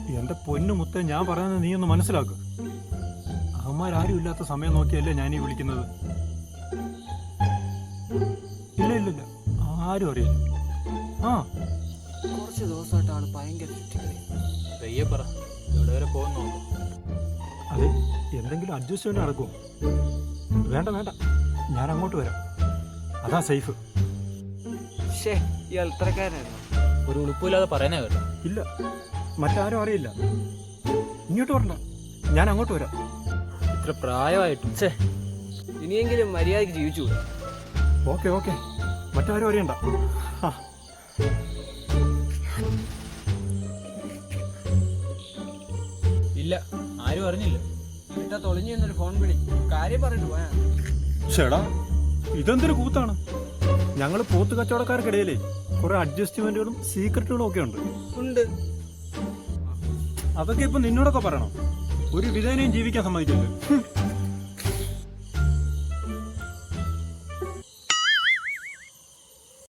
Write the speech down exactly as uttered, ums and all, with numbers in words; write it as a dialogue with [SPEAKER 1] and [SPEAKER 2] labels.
[SPEAKER 1] എന്റെ പൊന്നു മുത്തേ, ഞാൻ പറയുന്നത് നീ ഒന്ന് മനസ്സിലാക്ക്. അവന്മാരും ഇല്ലാത്ത സമയം നോക്കിയല്ലേ ഞാനീ വിളിക്കുന്നത്. ഇല്ല ഇല്ല ഇല്ല ആരും അറിയില്ല. ആ
[SPEAKER 2] കുറച്ച് ദിവസമായിട്ട് ആള് ഭയങ്കര
[SPEAKER 3] പയ്യെ പറ, എവിടെ വരെ പോകുന്നു നോക്കാം.
[SPEAKER 1] അതെ, എന്തെങ്കിലും അഡ്ജസ്റ്റ്മെന്റ് നടക്കുമോ? വേണ്ട വേണ്ട, ഞാൻ അങ്ങോട്ട് വരാം, അതാ സേഫ്.
[SPEAKER 2] ഷേ ഈ അൽത്തരക്കാരനായിരുന്നു.
[SPEAKER 3] ഒരു ഉളുപ്പില്ലാതെ പറയുന്നേ കേട്ടോ.
[SPEAKER 1] ഇല്ല, മറ്റാരും അറിയില്ല. ഇങ്ങോട്ട് വരണ്ട, ഞാൻ അങ്ങോട്ട് വരാം.
[SPEAKER 3] ഇത്ര പ്രായമായിട്ടും ഛേ.
[SPEAKER 2] ഇനിയെങ്കിലും മര്യാദയ്ക്ക് ജീവിച്ചു.
[SPEAKER 1] ഓക്കെ ഓക്കെ, മറ്റാരും അറിയണ്ട. ആ
[SPEAKER 3] ഇല്ല, ആരും അറിഞ്ഞില്ല.
[SPEAKER 2] വീട്ടാ തൊളിഞ്ഞു എന്നൊരു ഫോൺ വിളി, കാര്യം പറഞ്ഞിട്ട് പോയാ.
[SPEAKER 1] ചേടാ, ഇതെന്തൊരു കൂത്താണ്. ഞങ്ങൾ പോത്ത് കച്ചവടക്കാർക്കിടയിലേ കുറെ അഡ്ജസ്റ്റ്മെന്റുകളും സീക്രട്ടുകളും ഒക്കെ ഉണ്ട്.
[SPEAKER 2] ഉണ്ട്.
[SPEAKER 1] അതൊക്കെ ഇപ്പൊ നിന്നോടൊക്കെ പറയണം. ഒരു വിധേനയും ജീവിക്കാൻ സമ്മതിക്കില്ല.